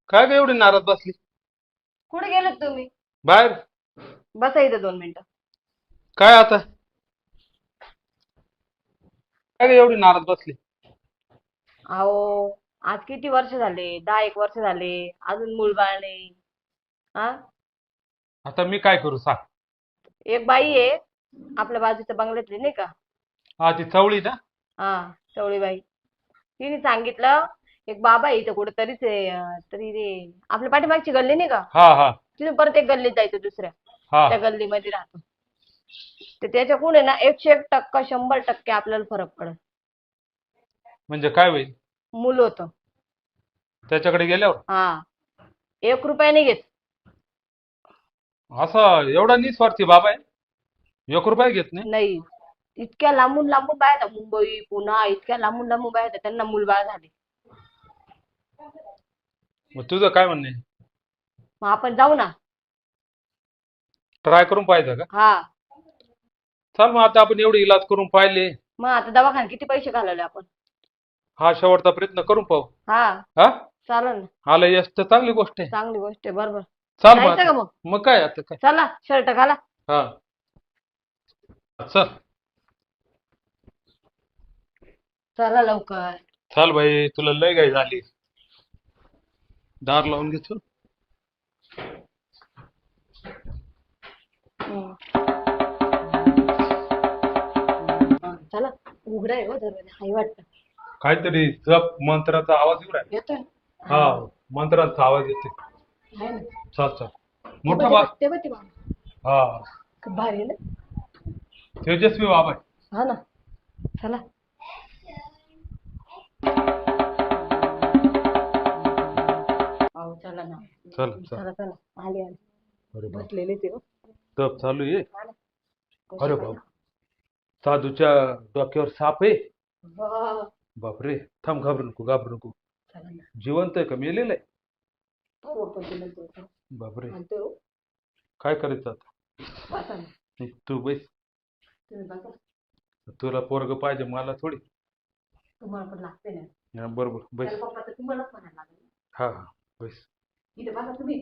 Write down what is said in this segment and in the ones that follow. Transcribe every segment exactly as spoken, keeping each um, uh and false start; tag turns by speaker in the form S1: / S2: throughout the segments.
S1: काय ग एवढी नाराज बसली?
S2: कुठे गेलेत तुम्ही?
S1: बाहेर.
S2: बसा इथं दोन मिनिटं.
S1: काय आता? काय ग एवढी नाराज बसली?
S2: अहो, आज किती वर्ष झाले? दहा एक वर्ष झाले. अजून मूलबाळ नाही. हा?
S1: आता मी काय करू सांग?
S2: एक बाई आहे, आपल्या बाजूच्या बंगल्यातली नाही का?
S1: हा, ती चवळी ना?
S2: हा, चवळी बाई. तिने सांगितलं, एक बाबा आहे इथं कुठेतरीच आहे, अं, तरी रे आपल्या पाठीमागची गल्ली नाही का?
S1: हा हा
S2: तिथून परत एक गल्लीत जायचं दुसऱ्या.
S1: हा.
S2: त्या गल्लीमध्ये राहतो. तर त्याच्याकडून आहे ना एकशे एक टक्का शंभर टक्के आपल्याला फरक पडेल.
S1: म्हणजे काय होईल
S2: मूल होतं.
S1: त्याच्याकडे गेल्यावर?
S2: हा, एक रुपया नाही घेत.
S1: असा एवढा निस्वार्थी बाबा आहे, एक रुपया घेत नाही?
S2: नाही, इतक्या लांबून लांबून बाया येतात, मुंबई पुणा इतक्या लांबून लांबून बाया येतात, त्यांना मुलबाळ झाले.
S1: मग तुझं काय म्हणणं आहे?
S2: मग आपण जाऊ ना.
S1: ट्राय करून पाहिजे का?
S2: हा.
S1: चल मग, आता आपण एवढे इलाज करून पाहिले.
S2: मग आता दवाखान्यात किती पैसे घालवले आपण?
S1: हा शेवटचा प्रयत्न करून पाहू.
S2: हा,
S1: हा.
S2: चालेल ना.
S1: आलं यश तर चांगली गोष्ट आहे.
S2: चांगली गोष्ट आहे. बरोबर.
S1: चाल मग
S2: जायचं
S1: आता.
S2: का मग?
S1: मग काय आता काय?
S2: चला, शर्ट घाला.
S1: हा, चल.
S2: चला लवकर.
S1: चाल भाई, तुला लय घाई झाली. दार लावून घेतो.
S2: हम्म. चला, उघडा आहे हो दरवाजा. हाय वाटतं.
S1: काहीतरी जप मंत्राचा आवाज येऊ राहिला.
S2: येतोय.
S1: हा, मंत्राचा आवाज येते.
S2: आहे ना.
S1: चल चल.
S2: ते
S1: मोठा
S2: बघ,
S1: बा.
S2: ते बघ, ते बघ.
S1: हा,
S2: खूप भारी आहे ना.
S1: तेजस्वी बाबा आहे.
S2: हा ना. चला. अहो, चला ना.
S1: चल चल.
S2: चला चला. आले आले.
S1: अरे बाप,
S2: बसलेले ते हो.
S1: तप चालू आहे.
S2: हा ना.
S1: अरे
S2: कशी
S1: बाप, साधूच्या डोक्यावर साप आहे.
S2: वा.
S1: बापरे, थांब, घाबरू नको घाबरू नको.
S2: चला ना.
S1: जिवंत आहे का मेलेलं आहे?
S2: हो, पण तिला तो- तो
S1: बापरे,
S2: म्हणतो हो.
S1: काय करायचं आता?
S2: बसा ना.
S1: तू तू बैस.
S2: तुम्ही बसा.
S1: तुला पोरग पाहिजे, मला थोडी.
S2: तुम्हाला पण लागते ना.
S1: हा, बरोबर, बैस.
S2: त्याला पप्पा तर तुम्हालाच म्हणायला लागेल.
S1: हा हा, बैस.
S2: इथे बसा तुम्ही.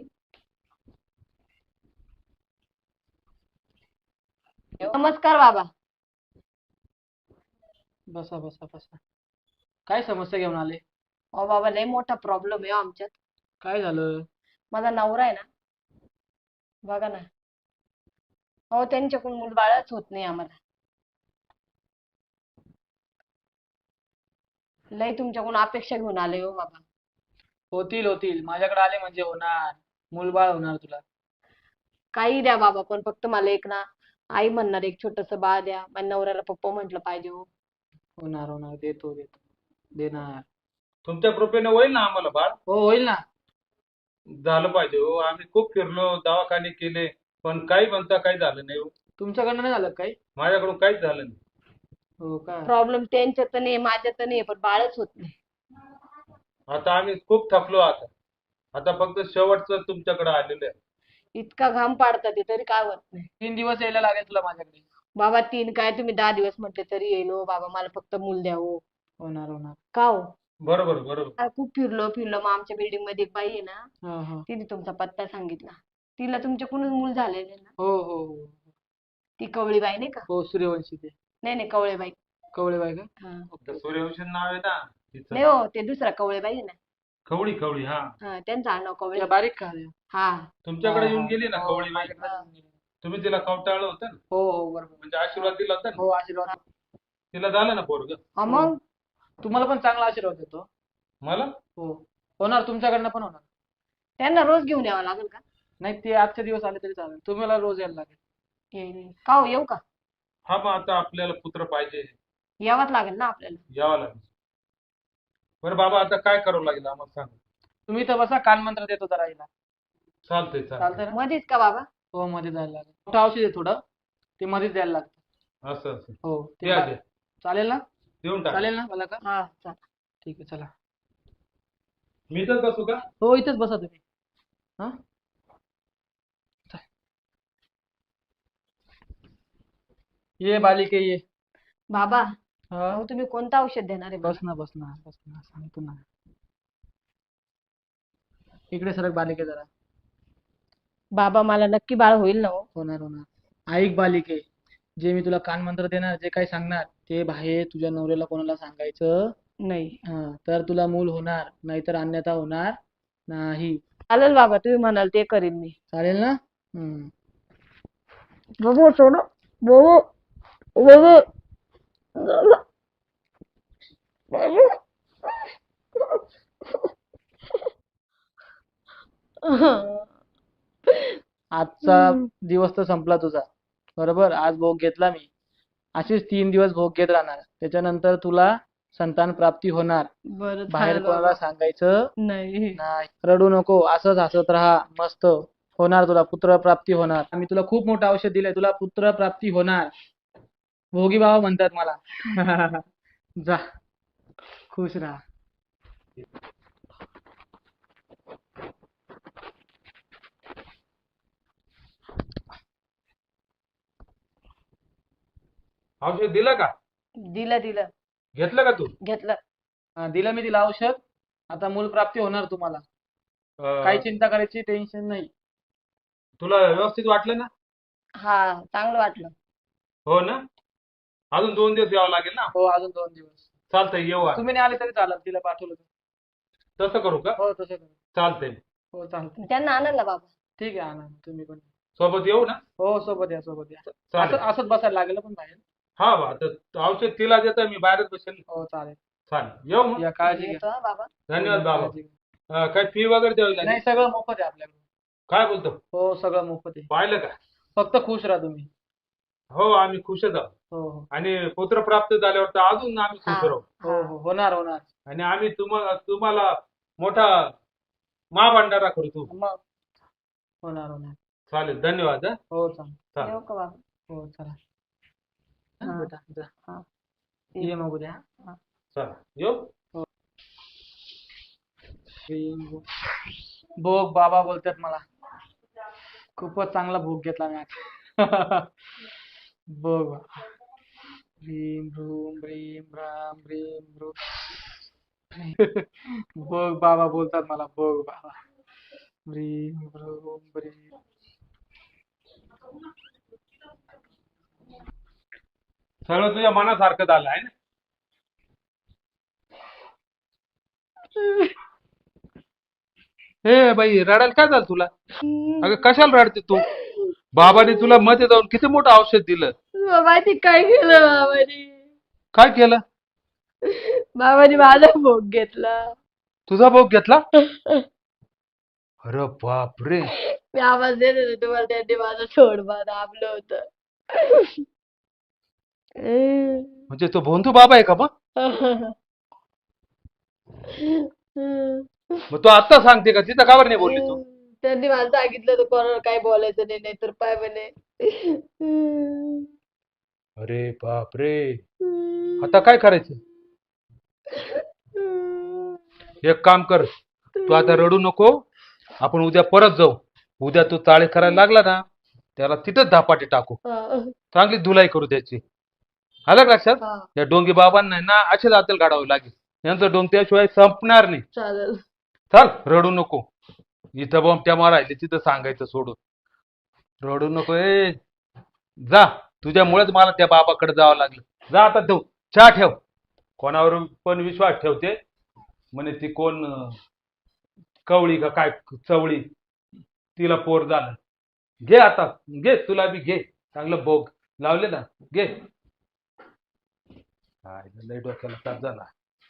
S2: नमस्कार बाबा.
S3: बसा बसा बसा. काय समस्या घेऊन आले?
S2: अहो बाबा, लय मोठा प्रॉब्लेम आहे हो आमच्यात.
S3: काय झालं?
S2: माझा नवरा आहे ना, बघा ना. अहो, त्यांच्याकडून मूलबाळच होत नाही आम्हाला. लय तुमच्याकडून अपेक्षा घेऊन आले हो बाबा.
S3: होतील होतील, माझ्याकडे आले म्हणजे होणार. मूलबाळ होणार तुला.
S2: काही द्या बाबा, पण फक्त मला एक ना आई म्हणणार एक छोटस बाळ द्या. माझ्या नवऱ्याला पप्पा म्हंटल पाहिजे हो.
S3: होणार होणार, देतो देतो, देणार.
S1: तुमच्या कृपेने होईल ना आम्हाला बाळ?
S3: हो, होईल ना.
S1: झालं पाहिजे हो. आम्ही खूप फिरलो, दवाखाने केले, पण काही म्हणता काही झालं नाही हो.
S3: तुमच्याकडनं नाही झालं काही?
S1: माझ्याकडून काहीच झालं नाही.
S3: हो का?
S2: प्रॉब्लेम त्यांच्यात तर नाही, माझ्यात तर नाही, पण बाळच होत नाही.
S1: आता आम्ही खूप थकलो. आता आता फक्त शेवटचं तुमच्याकडे आलेलं आहे.
S2: इतका घाम पाडतात ते तरी काय होत नाही.
S3: तीन दिवस यायला लागेल तुला माझ्याकडे.
S2: बाबा, तीन काय तुम्ही दहा दिवस म्हटले तरी येईल हो बाबा. मला फक्त मूल द्या हो.
S3: होणार होणार.
S2: का हो?
S1: बरोबर बरोबर.
S2: आ, खूप फिरलो फिरलो, मग आमच्या बिल्डिंग मध्ये एक बाई आहे ना,
S3: हा हा.
S2: तिने तुमचा पत्ता सांगितला. तिला तुमच्याकडूनच मूल झालेलं आहे ना.
S3: हो हो हो.
S2: ती कवळी बाई नाही का?
S3: हो, सूर्यवंशी ते.
S2: नाही नाही, कवळे बाई.
S3: कवळेबाई का?
S2: हा.
S1: तर सूर्यवंशी नाव आहे ना तिचं.
S2: नाही हो, ते दुसरा कवळे बाई आहे ना.
S1: खवळी खवळी. हा,
S2: हा, त्यांचं आडनाव कवळे.
S3: त्या बारीक का?
S2: हा.
S1: तुमच्याकडे
S3: हा,
S1: येऊन
S3: हा.
S1: गेली ना
S3: हो,
S1: खवळी बाई.
S3: माझ्याकडे
S2: हा.
S3: येऊन गेली.
S1: तुम्ही तिला कवटाळलं होतं ना,
S3: हो हो, बरोबर.
S1: म्हणजे आशीर्वाद दिला होता ना.
S3: हो, आशीर्वाद.
S1: तिला झालं ना पोरग?
S2: हा, मग
S3: तुम्हाला पण चांगला आशीर्वाद देतो.
S1: मला?
S3: हो, होणार, तुमच्याकडनं पण होणार.
S2: त्यांना रोज घेऊन यावं लागेल का?
S3: नाही, ते आजचे दिवस आले तरी चालेल, तुम्हाला रोज यायला लागेल.
S2: येईल. का हो, येऊ का?
S1: हा, मग आता आपल्याला पुत्र पाहिजे,
S2: यावंच लागेल ना आपल्याला.
S1: यावं लागेल. बरं बाबा, आता काय करावं लागेल आम्हाला सांगा.
S3: तुम्ही तर बसा, कानमंत्र देतो जरा हिला.
S1: चालतंय चालतंय.
S3: चालतंय ना?
S2: मध्येच का बाबा?
S3: हो, मध्ये जायला लागेल. मोठं औषध आहे थोडं, ते मध्येच द्यायला लागतं.
S1: असं असं.
S3: हो, ते
S1: द्या
S3: बा-
S1: द्या,
S3: चालेल ना?
S1: देऊन टाका.
S3: चालेल ना मला का?
S2: हा, चला.
S3: ठीक आहे, चला.
S1: मी तर बसू का?
S3: हो, इथेच बसा तुम्ही. हा, ये बालिके ये.
S2: बाबा,
S3: हा,
S2: अहो तुम्ही कोणतं औषध देणार आहे
S3: बस
S2: मला?
S3: ना बस ना बस ना, सांगतो ना. इकडे सरक बालिके जरा.
S2: बाबा मला नक्की बाळ होईल ना हो?
S3: होणार होणार. ऐक बालिके, जे मी तुला कानमंत्र देणार, जे काही सांगणार ते बाहेर तुझ्या नवऱ्याला कोणाला सांगायचं
S2: नाही.
S3: हा. तर तुला मूल होणार, नाहीतर अन्यथा होणार नाही.
S2: चालेल बाबा, तुम्ही म्हणाल ते करीन मी.
S3: चालेल ना? हम्म.
S2: बाबा सोड. बाबा बाबा
S3: आजचा दिवस तर संपला तुझा, बरोबर. आज भोग घेतला मी, असेच तीन दिवस भोग घेत राहणार. त्याच्यानंतर तुला संतान प्राप्ती होणार.
S2: बरं
S3: बाहेर
S2: चालेल
S3: कोणाला
S2: बाबा.
S3: सांगायचं
S2: नाही.
S3: नाही. रडू नको, असंच हसत राहा. मस्त होणार, तुला पुत्र प्राप्ती होणार. आम्ही तुला खूप मोठं औषध दिलंय, तुला पुत्र प्राप्ती होणार. भोगी बाबा म्हणतात मला. जा, खुश राहा.
S1: औषध दिलं का?
S2: दिलं दिलं.
S1: घेतलं का तू?
S2: घेतलं.
S3: हा, दिलं मी तिला औषध. आता मूल प्राप्ती होणार तुम्हाला.
S1: अं,
S3: काही चिंता करायची टेन्शन नाही.
S1: तुला व्यवस्थित वाटलं ना?
S2: हा, चांगलं वाटलं.
S1: हो ना? अजून दोन दिवस यावं लागेल ना?
S3: हो, अजून दोन दिवस.
S1: चालतंय, येऊ आज.
S3: तुम्ही नाही आले तरी चालत, तिला पाठवलं तर.
S1: तसं करू का?
S3: हो, तसं करू.
S1: चालतंय.
S3: हो, चालतं.
S2: त्यांना आणाल ना बाबा?
S3: ठीक आहे, आणा तुम्ही पण.
S1: सोबत येऊ ना?
S3: हो, सोबत या, सोबत या. असं
S1: चालेल.
S3: असंच बसायला लागेल पण बाहेर.
S1: हा बा, तर औषध तिला देतं, मी बाहेरच बसेल.
S3: हो, चालेल.
S1: चालेल, येऊ मग.
S3: या, काळजी घ्या.
S2: येतो हा बाबा.
S1: धन्यवाद बाबा.
S3: काळजी घ्या.
S1: अं, काय फी वगैरे द्यावी लागेल?
S3: नाही, सगळं मोफत आहे आपल्याकडे.
S1: काय बोलतो?
S3: हो, सगळं मोफत आहे.
S1: पाहिलं का?
S3: फक्त खुश राहा तुम्ही.
S1: हो, आम्ही खुशच आहोत.
S3: हो हो
S1: आणि पुत्र प्राप्त झाल्यावर तर अजून आम्ही खुश
S2: हा.
S1: राहू.
S3: हो हो, होणार होणार.
S1: आणि आम्ही तुम्हाला तुम्हाला मोठा महाभंडारा करू तू.
S2: मग
S3: होणार होणार.
S1: चालेल, धन्यवाद. हं.
S3: हो, चालेल.
S1: चालेल.
S2: येऊ का बाबा?
S3: हो, चला.
S2: हा.
S3: बेटा जा.
S2: हा.
S3: ये मग उद्या.
S1: चला, येऊ.
S3: भोग बाबा बोलतात मला. खूपच चांगला भोग घेतला मी आज. भोग बाबा. भीम भ्रूम भ्रीम राम भ्रीम भ्रूम. भोग बाबा बोलतात मला. भोग बाबा. भ्रीम भ्रूम भ्रीम.
S1: सगळं तुझ्या मनासारखं झालं आहे ना? ए बाई, रडायला काय झालं तुला? अगं कशाला रडते तू? बाबाने तुला मध्ये जाऊन किती मोठं औषध दिलं.
S2: बाबांनी काय केलं? बाबांनी
S1: काय केलं?
S2: बाबांनी माझा भोग घेतला.
S1: तुझा भोग घेतला? अरे बापरे.
S2: मी आवाज देत होते तुम्हाला, त्यांनी माझं सोडबा दाबलं होतं.
S1: म्हणजे तो भोंदू बाबा आहे का मग? मग तू आता सांगते का? तिथं का बरं नाही बोलली तू?
S2: त्यांनी मला सांगितलं तर कोणाला काही बोलायचं नाही, नाहीतर पाय म्हणे.
S1: अरे बापरे. आता काय करायचं? एक काम कर, तू आता रडू नको. आपण उद्या परत जाऊ. उद्या तू चाळे करायला लागला ना, त्याला तिथंच धापाटी टाकू.
S2: हा.
S1: चांगली धुलाई करू त्याची. आलं का लक्षात?
S2: हा,
S1: या डोंगी बाबांना ना असेच आतल काढावं लागेल. यांचं डोंग त्याशिवाय संपणार नाही.
S2: चालेल.
S1: चल, रडू नको. इथं बोमट्या मारायचे, तिथं सांगायचं सोडून. रडू नको. ए जा, तुझ्यामुळेच मला त्या बाबाकडे जावं लागलं. जा आता, ठेव चहा ठेव. कोणावर पण विश्वास ठेवते म्हणे ती कोण अं, कवळी का काय चवळी, तिला पोर झालं. घे आता, घे तुला बी घे. चांगलं भोग लावले ना, घे. काय लय डोक्याला ताप झाला.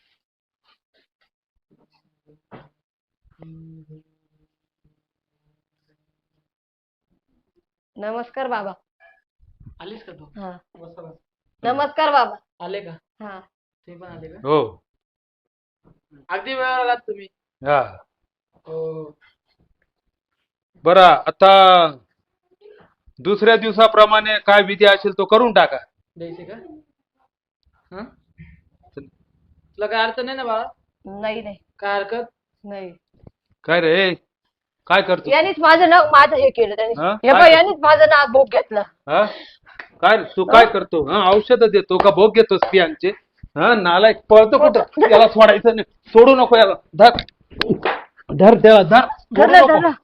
S2: नमस्कार बाबा.
S3: आलीस का तू?
S2: हा,
S3: बसा बसा.
S2: नमस्कार बाबा.
S3: आले का?
S2: हा.
S3: तुम्ही पण आले का?
S1: हो.
S3: अगदी वेळेवर आलात तुम्ही.
S1: हा,
S3: हो.
S1: बरं. आता दुसऱ्या दिवसाप्रमाणे काय विधी असेल तो करून टाका.
S3: द्यायचे का? हा, तुला काय अडचण नाही ना बाळा?
S2: नाही नाही
S3: काय हरकत
S2: नाही.
S1: काय रे, काय करतो?
S2: यांनीच माझं नाव माझं हे केलं त्यांनी.
S1: हा?
S2: हे बघ, यांनीच माझं नाव भोग घेतलं.
S1: हा? काय रे, तू काय करतो? हा, औषध देतो का भोग घेतोस पियांचे? हा, नालायक. पळतो कुठं? त्याला सोडायचं नाही. सोडू नको याला. धर. धर द्या धर
S2: धरा
S1: सोडू नको.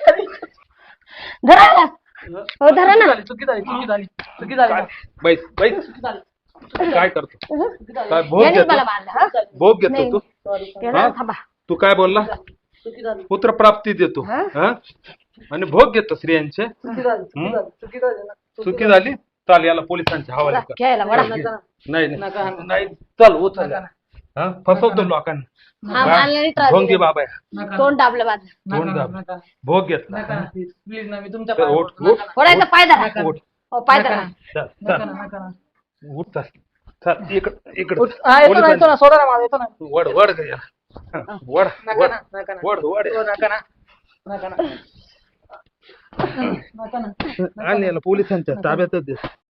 S2: धरा धरा हो धरा ना.
S3: चुकी झाली चुकी झाली चुकी झाली
S1: काय? बैस बैस काय करतो काय भोग
S2: यानेच मला
S1: घेतो
S2: मारलं हा.
S1: भोग घेतो
S2: नाही.
S1: तू
S2: त्याला
S1: हा?
S2: थांबा.
S1: तू काय बोलला
S3: चुकी झाली
S1: पुत्र प्राप्ती देतो
S2: हा?
S1: हा आणि भोग घेतो स्त्रियांचे
S3: चुकी झाली चुकी
S1: हं?
S3: झाली चुकी झाली ना.
S1: चुकी झाली चाल याला पोलिसांच्या हवाले कर
S2: घ्यायला वडा.
S3: नका.
S1: नाही
S3: नका.
S1: नाही नाही चल उचल
S3: नका ना.
S1: हा फसवतो लोकांना
S2: हा, मला नाही त्रास
S1: ढोंगी
S2: दिला.
S1: बाबा आहे.
S3: नका
S2: तोंड दाबलं माझं.
S1: तोंड
S3: नका
S1: दाब.
S3: नका
S1: भोग घेतला
S3: नका ना प्लीज प्लीज ना मी तुमच्या
S1: तर
S3: पाया
S1: उठ,
S3: पडतो.
S1: उठ.
S3: नका ना.
S2: थोडासा पाय धरा.
S3: नका.
S1: उठ
S2: हो पाय
S3: नका
S2: धरा.
S3: ना.
S1: चल
S3: नका
S1: चल
S3: ना नका ना
S1: उठ चल चल इकडं इकडं
S3: उठ. हा, येतो ना येतो ना सोडा ना मला येतो ना
S1: वड वड गया वड
S3: नका
S1: वड
S3: ना नका ना
S1: वड वड
S3: हो, नका ना नका ना नका ना
S1: आणि याला पोलिसांच्या ताब्यातच दे